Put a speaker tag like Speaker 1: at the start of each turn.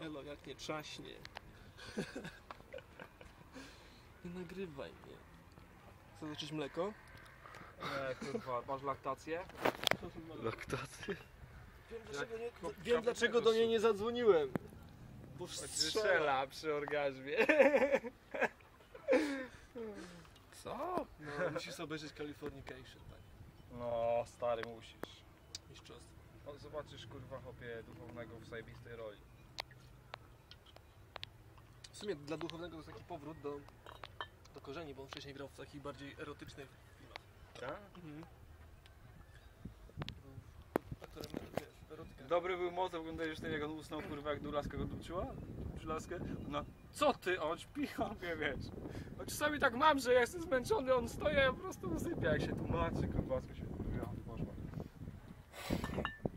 Speaker 1: Elo, jak nie trzaśnie. Nie nagrywaj mnie. Chcesz zacząć mleko?
Speaker 2: Nie, kurwa, masz laktację?
Speaker 3: Laktację?
Speaker 1: Wiem dlaczego do niej nie zadzwoniłem. Bo
Speaker 2: Strzela przy orgazmie.
Speaker 3: Co?
Speaker 1: No, musisz obejrzeć Californication, tak.
Speaker 2: No, stary, musisz.
Speaker 1: Mistrzostwo.
Speaker 2: O, zobaczysz, kurwa, chłopie duchownego w zajebistej roli.
Speaker 1: W sumie dla duchownego to jest taki powrót do korzeni, bo on wcześniej grał w takich bardziej erotycznych filmach.
Speaker 2: Tak?
Speaker 1: Mhm. Aktorem, wiesz, erotyka.
Speaker 2: Dobry był motyw, oglądałeś ten, jak on usnął, kurwa, jak laska go dupczyła? Przy laskę? No, co ty, on śpi, on wie, wiesz. No, czasami tak mam, że ja jestem zmęczony, on stoi, a ja po prostu usypia, jak się tłumaczy, kurwa, co się poszła.